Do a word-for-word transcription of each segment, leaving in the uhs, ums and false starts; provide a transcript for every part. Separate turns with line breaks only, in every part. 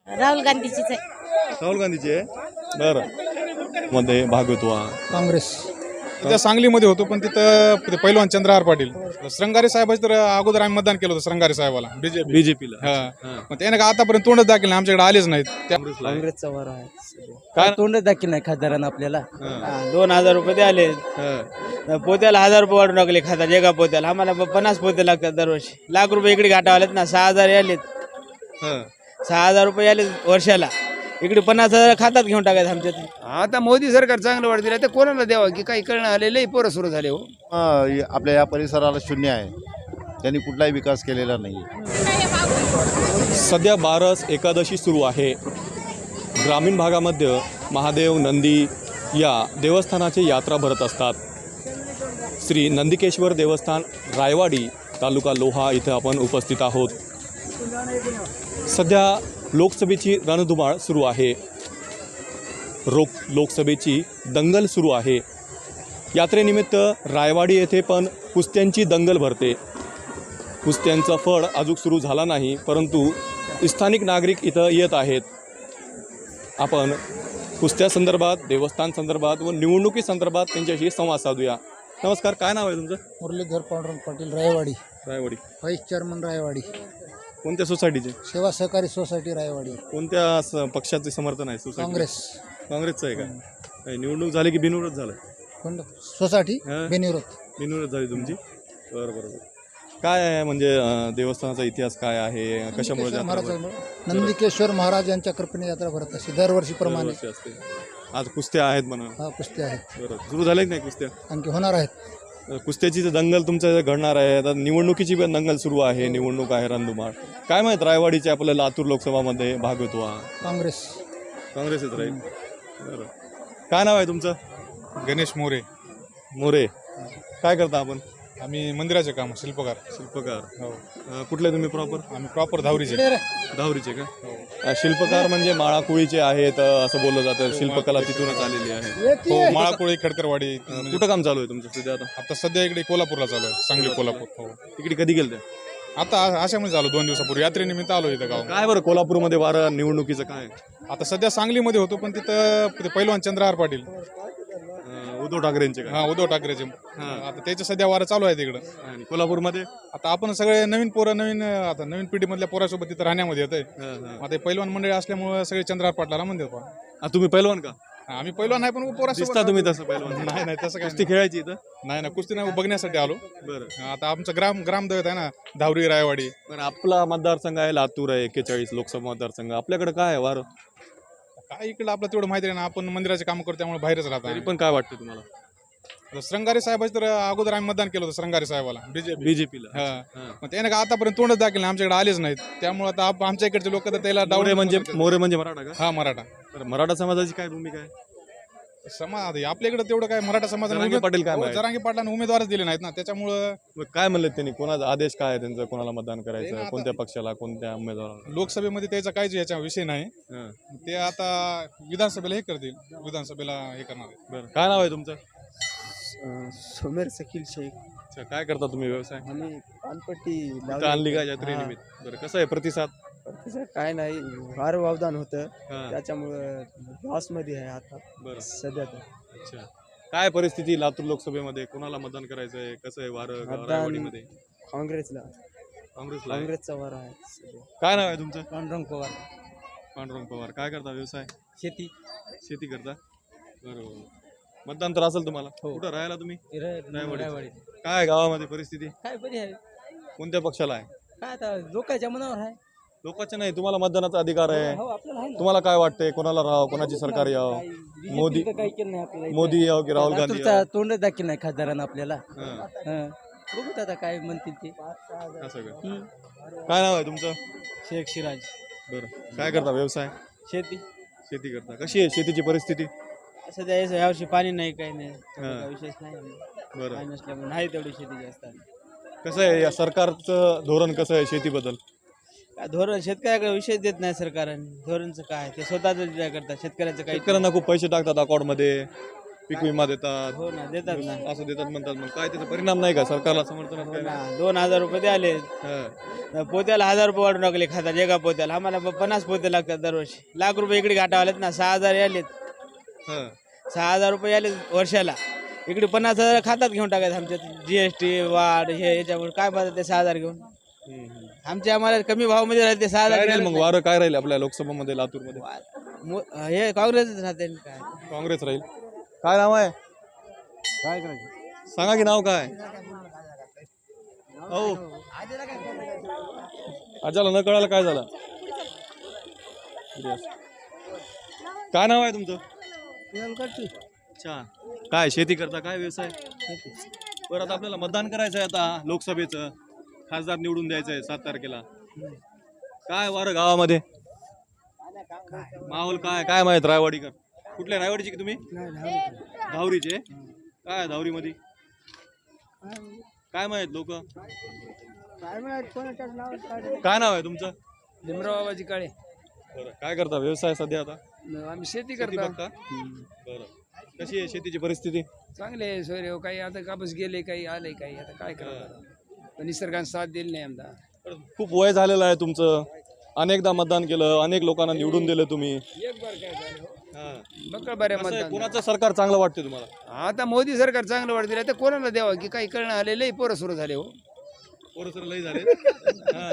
राहुल गांधीचीच आहे.
राहुल गांधीची आहे बरं मध्ये भाग घेतो हा
काँग्रेस. त्या सांगलीमध्ये होतो पण तिथं ते पहिलवान चंद्रहार पाटील श्रंगारे साहेबांचं तर अगोदर आम्ही मतदान केलं होतं श्रंगारे साहेबाला बीजेपी.
बीजेपीला
हा मग त्याने का आतापर्यंत तोंडच दाखल नाही, आमच्याकडे आलेच नाहीत. त्या
काँग्रेसचा वार आहे
काय?
तोंड दाखल नाही खासदारांना आपल्याला.
दोन हजार रुपये ते आले पोत्याला हजार रुपये वाढून टाकले खातात एका पोत्याला. आम्हाला प- पन्नास पोते लागतात दरवर्षी. लाख रुपये इकडे घाटा आलेत ना. सहा हजार आलेत. सहा हजार रुपये आले वर्षाला. इकडे पन्नास हजार खातात घेऊन टाकायचं आमच्यात.
आता मोदी सरकार चांगलं वाढ दिलं तर कोणाला द्यावं की काही कळणं आलेलं पोरं सुरू झाले हो.
आपल्या या परिसराला शून्य आहे, त्यांनी कुठलाही विकास केलेला नाही.
सध्या बारस एकादशी सुरू आहे. ग्रामीण भागामध्ये महादेव नंदी या देवस्थानाची यात्रा भरत असतात. श्री नंदिकेश्वर देवस्थान रायवाडी तालुका लोहा इथे आपण उपस्थित आहोत. सध्या लोकसभेची रणधुमाळ सुरू आहे. रोक लोकसभेची दंगल सुरू आहे. यात्रेनिमित्त रायवाडी येथे पण कुस्त्यांची दंगल भरते. कुस्त्यांचा फळ अजून सुरू झाला नाही, परंतु स्थानिक नागरिक इथं येत आहेत. आपण कुस्त्यासंदर्भात, देवस्थान संदर्भात व निवडणुकी संदर्भात त्यांच्याशी संवाद साधूया. नमस्कार, काय नाव आहे तुमचं?
मुरलीधर पांडुरंग पाटील रायवाडी,
रायवाडी.
व्हाईस चेअरमन रायवाडी,
कोणत्या सोसायटीचे?
सेवा सहकारी सोसायटी रायवाडी.
कोणत्या स- पक्षाचे समर्थन आहे सोसायटी?
काँग्रेस.
काँग्रेसचं आहे का? काही निवडणूक झाली की बिनविरोध झालं?
कोण सोसायटी
हा?
बेनिवृत्त.
बिनविरोध झाली तुमची? बरं बरं बरं. काय आहे म्हणजे अं, देवस्थानाचा इतिहास काय आहे? कशामुळे
नंदिकेश्वर
यात्रा
महाराज
भरते?
नंदिकेश्वर महाराज यांच्या कृपेने यात्रा भरत असते दरवर्षीप्रमाणे.
दरवर्षी असते. आज कुस्त्या आहेत म्हणा.
हा कुस्ती आहेत,
बरं, सुरू झाले की नाही कुस्त्या?
आणखी होणार आहेत.
अं, कुस्त्याची तर दंगल तुमच्या इथे घडणार आहे. आता निवडणुकीची पण दंगल सुरू आहे. निवडणूक आहे रणधुमाळ. काय माहीत रायवाडीचे आपल्या लातूर लोकसभामध्ये भाग होतो हा
काँग्रेस.
काँग्रेसच राहील. बरं, काय नाव आहे तुमचं?
गणेश मोरे.
मोरे. काय करता आपण?
आम्ही मंदिराचे काम, शिल्पकार.
शिल्पकार.
हो.
अं, कुठले तुम्ही प्रॉपर?
आम्ही प्रॉपर धावरीचे.
धावरीचे का? अं, शिल्पकार म्हणजे माळाकुळीचे आहेत अं, असं बोललं जातं. शिल्पकला तिथूनच आलेली आहे.
हो, माळाकोळी, खडकरवाडी.
अं, कुठं काम चालू आहे तुमचं सध्या आता?
आता सध्या इकडे कोल्हापूरला चालू आहे, सांगली कोल्हापूर. हो.
तिकडे कधी गेलं त्या?
आता अशामध्ये झालो, दोन दिवसापूर्वी यात्रेनिमित्त आलो इथं गाव.
काय बरं कोल्हापूरमध्ये वारं निवडणुकीचं काय?
आता सध्या सांगलीमध्ये होतो पण तिथं ते पहिलवान चंद्रहार पाटील,
अं, उद्धव ठाकरेंचे का?
हा उद्धव ठाकरेचे. आता त्याच्या सध्या वारं चालू आहे तिकडं.
आणि कोल्हापूरमध्ये?
आता आपण सगळे नवीन पोरं, नवीन आता नवीन पिढीमधल्या पोरासोबत तिथं राहण्यामध्ये येत आहे. आता हे पहिलवान मंडळी असल्यामुळे सगळे चंद्रहार पाटलाला म्हणतात पहा.
आ, तुम्ही पैलवान का?
आम्ही पहिलवान नाही पण पोरासोबत
दिसता तुम्ही तसं पैलवान?
नाही नाही तसं
कुस्ती
काही
खेळायची इथं?
नाही ना, कुस्ती नाही, बघण्यासाठी आलो.
बरं
आता आमचं ग्राम ग्रामदैवत आहे ना, धावरी रायवाडी.
पण आपला मतदारसंघ आहे लातूर आहे, एक्केचाळीस लोकसभा मतदारसंघ. आपल्याकडे काय आहे वारं?
काय इकडं आपलं तेवढं माहिती नाही ना, आपण मंदिराचे काम करतो त्यामुळे बाहेरच
तरी
राहतो.
पण काय वाटतं तुम्हाला?
आता श्रंगारे साहेबांचं तर अगोदर आम्ही मतदान केलं होतं श्रंगारे साहेबाला बीजेपी.
बीजेपीला.
हा मग त्याने का आतापर्यंत तोंडच दाखल नाही, आमच्याकडे आलेच नाहीत. त्यामुळे आता आप- आमच्या इकडचे लोक तर त्याला
मोरे
डावडे
म्हणजे मोरे म्हणजे मराठा का?
हा मराठा
बरं, मराठा समाजाची काय भूमिका आहे?
समाज. आपल्या इकडे तेवढं काय मराठा समाजाने
जरांगे
उमेद-
पाटील काय
हो,
माहित?
जरांगे पाटलांना उमेदवारच दिले नाहीत ना, त्याच्यामुळं
मग काय म्हणले त्यांनी? कोणाचा आदेश काय आहे त्यांचा? कोणाला मतदान
ते ना
करायचं?
आता-
कोणत्या पक्षाला? कोणत्या उमेदवाराला?
लोकसभेमध्ये त्याचा काहीच याच्या विषय नाही.
हं.
ते आता विधानसभेला हे करतील, विधानसभेला हे करणार आहे.
बरं, काय नाव आहे तुमचं?
सोमेर सकील शेख.
अच्छा, काय करता तुम्ही व्यवसाय?
आम्ही पानपट्टी
इथं आणली का यात्रेनिमित्त? बरं, कसं आहे प्रतिसाद?
तसं काय नाही, फार वावदान होतं
हां,
त्याच्यामुळं लॉसमध्ये आहे आता
बरं.
सध्या तर.
अच्छा, काय परिस्थिती लातूर लोकसभेमध्ये? कोणाला मतदान करायचं आहे? कसं आहे वारं
मतदान-
रायवाडीमध्ये?
काँग्रेसला
काँग्रेसला आहे?
काँग्रेसचा वार आहे सध्या.
काय नाव आहे तुमचं?
पांडुरंग पवार.
पांडुरंग पवार. काय करता व्यवसाय?
शेती.
शेती करता? बरोबर. मतदान तर असेल तुम्हाला?
हो.
कुठं राहायला तुम्ही?
रायवाडी.
रायवाडी. काय आहे गावामध्ये परिस्थिती?
काय बरी आहे,
कोणत्या पक्षाला आहे?
काय आता लोकांच्या मनावर आहे.
लोकांच्या नाही, तुम्हाला मतदानाचा अधिकार आहे.
हो आपल्याला आहे ना.
तुम्हाला काय वाटतंय कोणाला राहावं, कोणाची सरकार यावं?
काही B J P
मोदी-
तर काही केलं नाही आपल्याला.
मोदी यावं की राहुल गांधी
लातूरचा
यावं?
तोंड दाखल नाही खासदारांना आपल्याला.
हां,
हं. बघू आता काय म्हणतील ते.
असं का?
हं.
काय नाव आहे तुमचं?
शेख सिराज.
बरं, काय करता व्यवसाय?
शेती.
शेती करता. कशी आहे शेतीची परिस्थिती?
सध्या याच- यावर्षी पाणी नाही, काही नाही, तेवढं
हा.
काही विशेष नाही.
बरं,
पाणी नसल्यामुळे नाही तेवढी शेती जास्त आहे.
कसं आहे या सरकारचं धोरण कसं आहे शेतीबद्दल?
काय धोरण शेतकऱ्याकडे विशेष देत नाही सरकारने. धोरणचं काय ते स्वतःच विचार करतात, शेतकऱ्याचं काही
शेतकऱ्यांना खूप पैसे टाकतात अकाउंटमध्ये. पीक विमा देतात
हो ना देतात ना
असं देतात म्हणतात, मग काय त्याचा परिणाम नाही का सरकारला समर्थन
हो ना दोन हजार रुपये ते आले पोत्याला हजार रुपये वाढून टाकले खातात एका पोत्याला आम्हाला प- पन्नास पोते लागतात दरवर्षी लाख रुपये इकडे घाटाव आलेत ना सहा हजार आलेत सहा हजार रुपये आले वर्षाला इकडे पन्नास हजार खातात घेऊन टाकायचं आमच्यात जीएसटी वाढ हे याच्यामुळे काय पाहतात ते सहा हजार घेऊन आमच्या आम्हाला कमी भावामध्ये राहते ते सहा
काय
हजार
राहील मग वारं काय राहील आपल्या लोकसभामध्ये लातूरमध्ये?
मो- हे काँग्रेसच राहते काय
काँग्रेस राहील. काय नाव आहे? काय करायचं सांगा की नाव काय? हो आजाला न कळायला काय झालं? काय नाव आहे तुमचं? अच्छा काय शेती करता काय व्यवसाय? बरं आता आपल्याला मतदान करायचं आहे आता लोकसभेचं खासदार निवडून द्यायचं आहे सात तारखेला. काय वारं गावामध्ये माहोल काय काय माहित? रायवाडीकर कुठल्या रायवाडीचे की तुम्ही? धावरीचे काय धावरीमध्ये काय माहित लोक काय नाव आहे तुमचं?
भीमराव बाबाजी काळे
बरं काय करता व्यवसाय सध्या आता?
आम्ही शेती
शेती
करतो.
बघता बरं कशी आहे शेतीची परिस्थिती?
चांगले आहे सोयरे काही आता कापूस गेले काही आले काही आता काय करावं पण निसर्गाने साथ दिली नाही आमदा
बरं, खूप वय झालेलं आहे तुमचं, अनेकदा मतदान केलं, अनेक लोकांना निवडून दिलं तुम्ही.
एक बार काय झालं
हा.
बकळ बरे
कसं आहे,
मतदान
कोणाचं सरकार चांगलं वाटते तुम्हाला?
आता मोदी सरकार चांगलं वाढ दिलं तर कोणाला द्यावं की काही कळणं आले लई पोरं सुरू झाले हो
पोरं लई झाले. हा.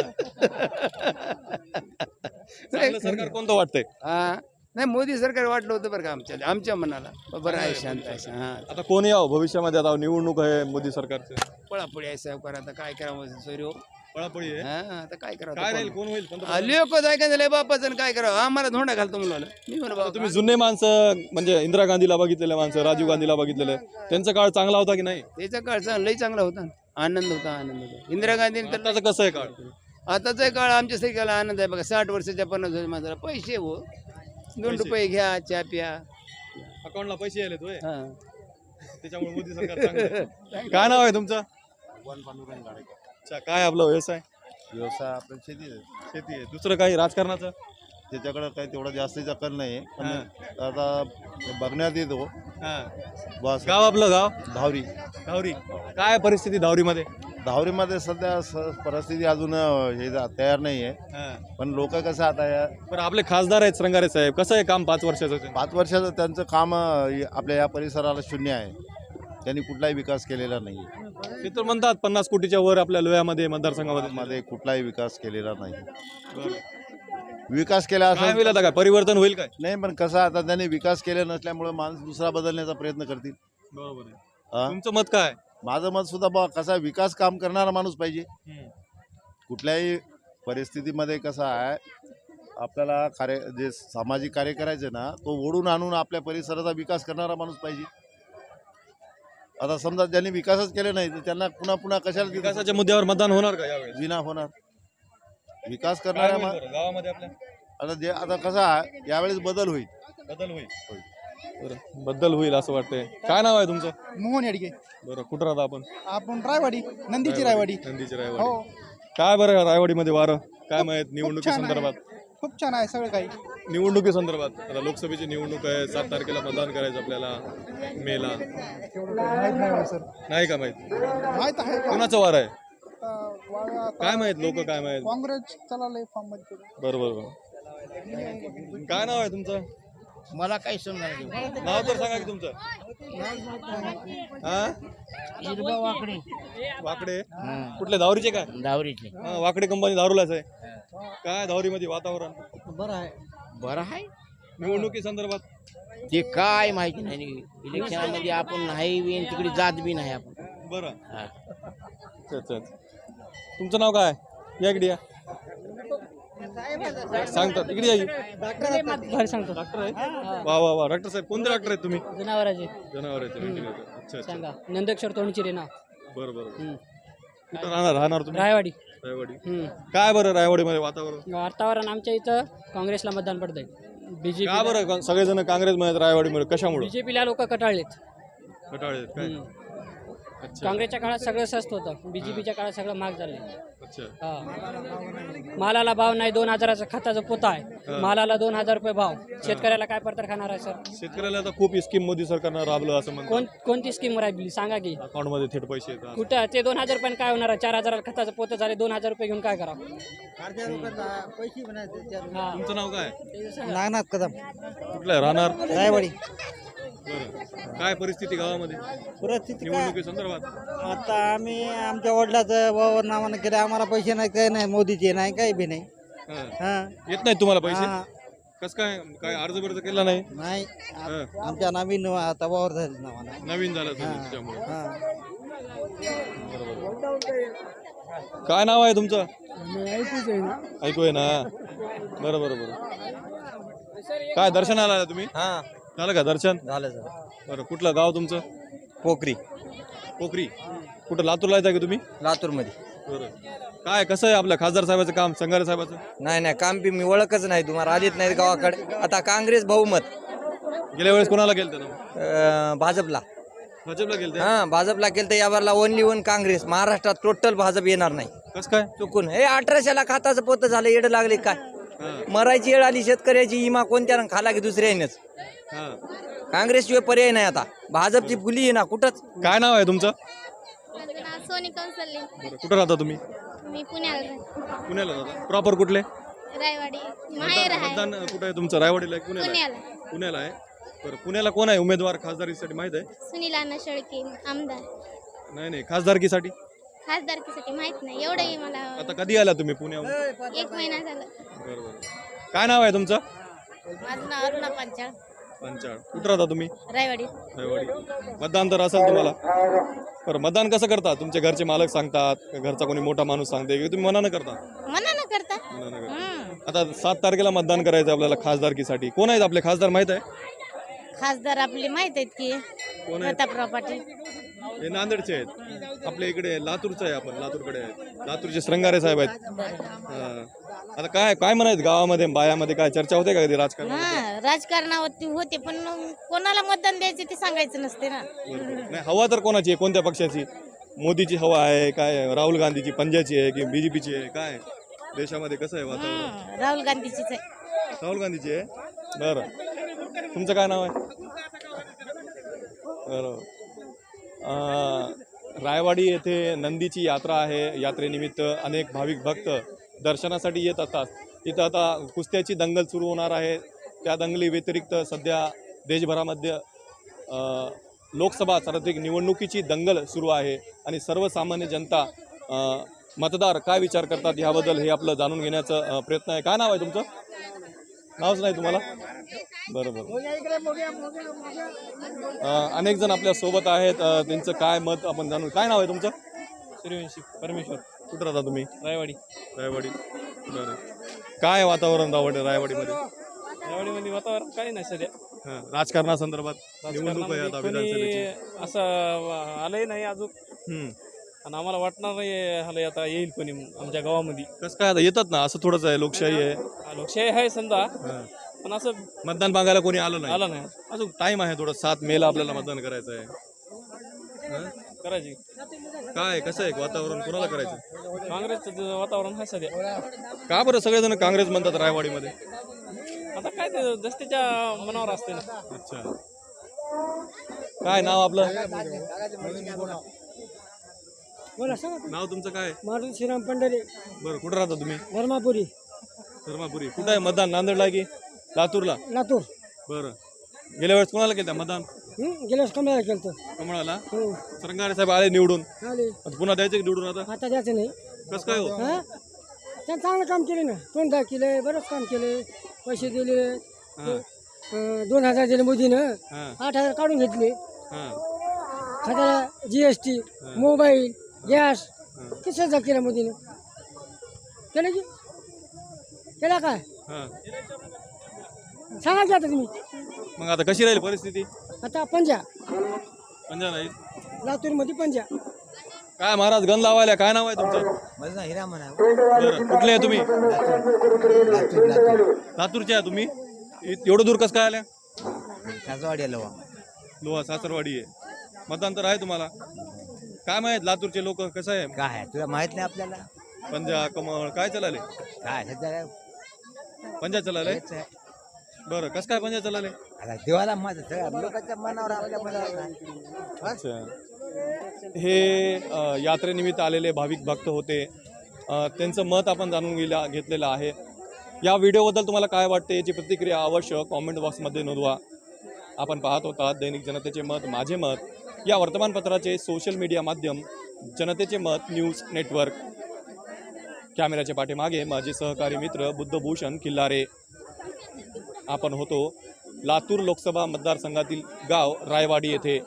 चांगलं सरकार कोणतं वाटतंय?
हा नाही मोदी सरकार वाटलं होतं बरं का आमच्या आमच्या मनाला बरं आहे शांत आहे हा
आता कोणी यावं भविष्यामध्ये? आता निवडणूक आहे मोदी सरकारचे,
पळापळी आहे साहेब आता काय करावं सोयरे हो
पळापळी आहे.
हा आता काय करावं
काय राहील? कोण होईल पंतप्रधान?
लोक जाय का झाले बापाचं आणि काय करावं आम्हाला धोंडा घालतो मुलाला मी म्हणा बाबा
तुम्ही जुने माणसं म्हणजे इंदिरा गांधीला बघितलेले माणसं, राजीव गांधीला बघितलेले, त्यांचा काळ चांगला होता की नाही?
त्याचा काळ चांगला लई चांगला होता आनंद होता आनंद होता इंदिरा गांधीने तर
आताचं कसं आहे काळ?
आताचा काळ आमच्या सगळ्याला आनंद आहे बघा साठ वर्षाच्या पन्नास वर्ष माणसाला पैसे हो दोन रुपये घ्या चहा प्या
अकाउंटला पैसे आले होय,
हा
त्याच्यामुळे मोदी सरकार चांगलं आहे. काय नाव आहे तुमचं? अच्छा काय आपला व्यवसाय?
व्यवसाय आपल्या शेती
शेती आहे. दुसरं काही राजकारणाचं?
त्याच्याकडे काही तेवढा जास्तीचा कल नाही पण आता बघण्यात येतो
हा.
बस
गाव आपलं गाव
धावरी
धावरी. काय परिस्थिती धावरीमध्ये?
धावरीमध्ये सध्या स- परिस्थिती अजून हे जा- तयार नाही आहे
हा.
पण लोक कसं आता या
बरं आपले खासदार आहेत श्रंगारे साहेब, कसं आहे काम पाच वर्षाचं ते?
पाच वर्षाचं त्यांचं काम अं, आपल्या या परिसराला शून्य आहे. त्यांनी कुठलाही विकास केलेला नाही
ते तर म्हणतात पन्नास कोटीच्या वर आपल्या लोह्यामध्ये मतदारसंघामध्ये.
मध्ये कुठलाही विकास केलेला नाही.
बरं.
विकास केला
काय
असं
होईल आता? काय परिवर्तन होईल काय?
नाही पण कसं आता त्यांनी विकास केला नसल्यामुळे माणूस दुसरा बदलण्याचा प्रयत्न करतील.
बरोबर आहे.
हा?
तुमचं मत काय?
माझं मत सुद्धा बा कसा विकास काम करणारा माणूस पाहिजे. कुठल्याही परिस्थितीमध्ये कसा आहे आपल्याला कार्य जे सामाजिक कार्य करायचे ना तो ओढून आणून आपल्या परिसराचा विकास करणारा माणूस पाहिजे. आता समजा ज्यांनी विकासच केले नाही तर त्यांना पुन्हा पुन्हा कशाला
विकासाच्या मुद्द्यावर मतदान होणार का यावेळेस?
विना होणार. विकास
काय
करणाऱ्या
होईल
मा-
बरं? गावामध्ये आपल्या
आता जे आता कसं आहे यावेळेस बदल होईल.
बदल होईल. बरं बदल होईल असं वाटतंय. काय नाव आहे तुमचं?
मोहन येडगे.
बरं कुठं राहता आपण?
आपण रायवाडी नंदीची रायवाडी.
नंदीची
हो
रायवाडी. काय बरं रायवाडीमध्ये वारं काय माहित निवडणुकी
छान आहे.
संदर्भात?
खूप छान आहे सगळं काही.
निवडणुकी संदर्भात आता लोकसभेची निवडणूक आहे, सात तारखेला मतदान करायचं आपल्याला मेला.
तेवढं काही माहित नाही मला सर.
नाही का माहित?
माहित आहे का?
कोणाचं वार आहे
आता वागा आता
काय माहित? लोक काय माहित?
काँग्रेस चाललंय फॉर्म मध्ये.
बरोबर बरोबर. काय नाव आहे तुमचं?
मला काही समजा
नाव तर सांगा की तुमचं. हा
वाकडे
वाकडे कुठले? धावरीचे काय?
दावरीचे
हा, वाकडे कंपनी दारूलाच आहे. काय धावरीमध्ये वातावरण
बरं आहे.
बरं आहे
निवडणुकी संदर्भात?
ते काय माहिती नाही इलेक्शनामध्ये आपण नाही बी आणि तिकडे जात बी नाही आपण.
बरं
हा.
अच्छा अच्छा अच्छा. तुमचं नाव काय? या इकडे या. सांगतात इकडे या. डॉक्टर आहे? वा वा वा. डॉक्टर साहेब कोणते डॉक्टर आहेत तुम्ही?
जनावरांचे
जनावरांचे. अच्छा अच्छा.
सांगा नंदेश्वर तोंडची रेना
बरं बरं. कुठं राहणार राहणार तुम्ही?
रायवाडी.
रायवाडी.
हम्म.
काय बरं रायवाडीमध्ये वातावरण?
वातावरण आमच्या इथं काँग्रेसला मतदान पडतंय. बीजेपी
का बरं सगळेजण काँग्रेसमध्ये रायवाडीमध्ये कशामुळे?
बीजेपीला लोक कटाळलेत.
कटाळे काय?
काँग्रेसच्या काळात सगळं स्वस्त होतं, बीजेपीच्या काळात सगळं महाग झालं.
अच्छा.
हा मालाला भाव नाही, दोन हजाराचा खताचा पोता आहे, मालाला दोन हजार रुपये भाव. शेतकऱ्याला काय पडतर खाणार आहे सर?
शेतकऱ्याला आता खूप स्कीम मोदी सरकारनं राबलं असं म्हणतात.
कोण कोणती स्कीम राबली सांगा की?
अकाउंट मध्ये थेट पैसे येतात.
कुठं ते दोन हजार रुपये काय होणार आहे? चार हजाराला खताचं पोतं झाले, दोन हजार रुपये घेऊन काय करावं? हा.
तुमचं नाव काय?
नागनाथ कदम,
कुठलं आहे? राहणार?
रायवाडी.
बरं. काय परिस्थिती गावामध्ये
परिस्थिती काय
निवडणुकी संदर्भात?
आता आम्ही आमच्या वडिलाचं वावर नावानं केलं, आम्हाला पैसे नाही, काही नाही, मोदीचे नाही, काही बी नाही.
हा.
हा
येत नाही तुम्हाला पैसे?
हा.
कस काय काय अर्ज बिर्ज केला नाही?
नाही
हा.
आमच्या नवीन आता वावर झाले नावानं.
नवीन झालं तुम्ही त्याच्यामुळे.
हा.
बरोबर. काय नाव आहे तुमचं? ऐकू आहे ना. बरं बरं बरं. काय दर्शनाला आला तुम्ही?
हा
झालं का दर्शन?
झालं झालं.
बरं. कुठलं गाव तुमचं?
पोखरी,
पोखरी. कुठं लातूरला येतं का तुम्ही?
लातूरमध्ये.
बरं. काय कसं आहे आपलं खासदार साहेबाचं काम, संगारे साहेबाचं?
नाही नाही काम बी मी ओळखच नाही, तुम्हाला आलीच नाही गावाकडे. आता काँग्रेस बहुमत
गेल्या वेळेस कोणाला गेलं ना?
अं, भाजपला.
भाजपला गेलं.
हा भाजपला केलं तर यावरला ओनली वन काँग्रेस. महाराष्ट्रात टोटल भाजप येणार नाही.
कसं काय?
चुकून हे अठराशेला खाताचं पोत झालं, येडं लागले काय?
हा.
मरायची येळ आली, शेतकऱ्याची इमा कोणत्या खाला की दुसऱ्यानेच.
हा.
काँग्रेसशिवाय पर्याय नाही. आता भाजपची फुली आहे ना कुठंच.
काय नाव आहे तुमचं?
माझं नाव सोनी कौसल्ले.
बरं. कुठं राहता तुम्ही?
मी पुण्याला राहते.
पुण्याला राहता. प्रॉपर कुठले?
रायवाडी माहेर आहे.
मतदान कुठं आहे तुमचं? रायवाडीला आहे? पुण्याला आहे?
पुण्याला.
पुण्याला आहे. बरं. पुण्याला कोण आहे उमेदवार खासदारीसाठी माहित आहे?
सुनील अण्णा शेळके आमदार.
नाही नाही खासदारकीसाठी
खासदारकीसाठी माहित नाही एवढंही मला.
आता कधी आला तुम्ही पुण्याहून?
एक महिना झाला.
बरं बरं. काय नाव आहे तुमचं?
माझं नाव अरुणा पंचाळ,
पंचाळ. कुठं राहता तुम्ही?
रायवाडी.
रायवाडी. मतदान तर असेल तुम्हाला. बरं. मतदान कसं करता? तुमचे घरचे मालक सांगतात, का घरचा कोणी मोठा माणूस सांगते, की तुम्ही मनानं करता?
मनानं करता.
मनानं करता.
हम्म.
आता सात तारखेला मतदान करायचं आपल्याला खासदारकीसाठी. कोण आहेत आपले खासदार माहित आहे?
खासदार आपले माहित आहेत की
कोण आहेत?
प्रतापराव पाटील.
हे नांदेडचे आहेत. आपल्या इकडे लातूरचं आहे, आपण लातूरकडे आहेत. लातूरचे श्रंगारे साहेब आहेत. हा. आता काय काय म्हणायचं गावामध्ये बायामध्ये काय चर्चा होते का कधी राजकारण?
हा राजकारणावरती होते, पण कोणाला मतदान द्यायचे ते सांगायचं नसते ना.
नाही हवा तर कोणाची आहे, कोणत्या पक्षाची? मोदीची हवा आहे काय, राहुल गांधीची पंजाची आहे की बीजेपीची आहे? काय देशामध्ये कसं आहे वातावरण?
हम्म, राहुल गांधीचीच आहे.
राहुल गांधीची आहे. बरं. तुमचं काय नाव आहे? बरं. अं, रायवाडी येथे नंदीची यात्रा आहे. यात्रेनिमित्त अनेक भाविक भक्त दर्शनासाठी येत असतात. तिथं आता कुस्त्याची दंगल सुरू होणार आहे. त्या दंगली व्यतिरिक्त सध्या देशभरामध्ये अं, लोकसभा सार्वत्रिक निवडणुकीची दंगल सुरू आहे आणि सर्वसामान्य जनता अं, मतदार काय विचार करतात याबद्दल हे आपलं जाणून घेण्याचा अं, प्रयत्न आहे. काय नाव आहे तुमचं? नावच नाही तुम्हाला? बरं बरं. अं, अनेक जण आपल्या सोबत आहेत. अं, त्यांचं काय मत आपण जाणून. काय नाव आहे तुमचं? सूर्यवंशी परमेश्वर. कुठं राहता तुम्ही? रायवाडी. रायवाडी. बरं. काय वातावरण रायवाडी रायवाडीमध्ये?
रायवाडीमध्ये वातावरण काही नाही सध्या.
हां. राजकारणासंदर्भात निवडणूक आहे आता विधानसभेची.
असं आलंय नाही अजून,
हम्म.
आणि आम्हाला वाटणार नाही आलं आता येईल कोणी आमच्या गावामध्ये.
कसं काय आता येतात ना, असं थोडंच आहे, लोकशाही आहे.
लोकशाही आहे समजा,
हां.
पण असं
मतदान मागायला कोणी आलं नाही.
आलं नाही.
अजून टाइम आहे थोडं. सात मेला आपल्याला मतदान करायचं आहे. हां?
करायची.
काय कसं आहे वातावरण, कोणाला करायचं?
काँग्रेसचं वातावरण आहे सध्या.
का बरं सगळेजण काँग्रेस म्हणतात रायवाडीमध्ये?
आता काय ते दस्तीच्या मनावर असते ना.
अच्छा. काय नाव आपलं? नाव तुमचं काय?
मारुती श्रीराम पंढरे,
बरं. कुठं राहता तुम्ही?
धर्मापुरी.
धर्मापुरी. कुठं आहे मतदान? नांदेडला की लातूरला?
लातूर.
बरं. गेल्या वेळेस कोणाला केलं मतदान?
गेल्यास कमळाला केलं.
कमळाला. सरंगारे साहेब आले निवडून.
आले.
आता पुन्हा द्यायचे निवडून आता?
आता द्यायचं नाही.
कसं काय हो?
हा त्यांनी चांगलं काम केले ना. दोन दहा केले, बरंच काम केले. पैसे दिले.
हां.
अं, दोन हजार दिले मोदीनं.
हां.
आठ हजार काढून घेतले.
हां.
खात्याला G S T, mobile, gas किती हजार केलं मोदीनं. केलं की केला काय
हां.
सांगा की आता तुम्ही.
मग आता कशी राहील परिस्थिती?
आता पंजा
पंजा नाही.
लातूरमध्ये पंजा.
काय महाराज गण लावायला? काय नाव आहे तुमचं?
माझं नाव हिरा म्हणा.
बरं. कुठले आहे तुम्ही? लातूरचे आहे तुम्ही? इ- एवढं दूर कसं काय आल्या?
सासवाडी आलो.
लोहा सासरवाडी आहे. मतदान तर आहे तुम्हाला? काय माहित लातूरचे लोक कसं आहे
काय तुला माहित नाही आपल्याला
पंजा कमळ काय चलाले
काय सध्या
पंजा चलाले बरं कसं काय पंजा चलाले
देवाला माझं सगळ्या लोकांच्या मनावर आपल्या मनावर नाही.
अच्छा हे अ, यात्रेनिमित्त आलेले भाविक भक्त होते अ, त्यांचं मत आपण जाणून गेला घेतलेलं आहे. या व्हिडिओबद्दल तुम्हाला काय वाटते याची प्रतिक्रिया अवश्य कॉमेंट बॉक्समध्ये नोंदवा. आपण पाहत होता दैनिक जनतेचे मत माझे मत या वर्तमानपत्राचे सोशल मीडिया माध्यम जनतेचे मत न्यूज नेटवर्क. कॅमेऱ्याच्या पाठीमागे माझे सहकारी मित्र बुद्धभूषण किल्लारे. आपण होतो लातूर लोकसभा मतदारसंघातील गाव रायवाडी येथे.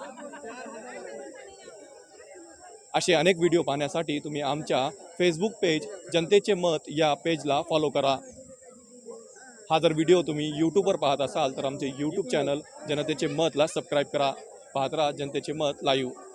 असे अनेक व्हिडिओ पाहण्यासाठी तुम्ही आमच्या फेसबुक पेज जनतेचे मत या पेजला फॉलो करा. हा जर व्हिडिओ तुम्ही यूट्यूबवर पाहत असाल तर आमचे यूट्यूब चॅनल जनतेचे मतला सबस्क्राईब करा. पाहत राहा जनतेचे मत लाईव्ह.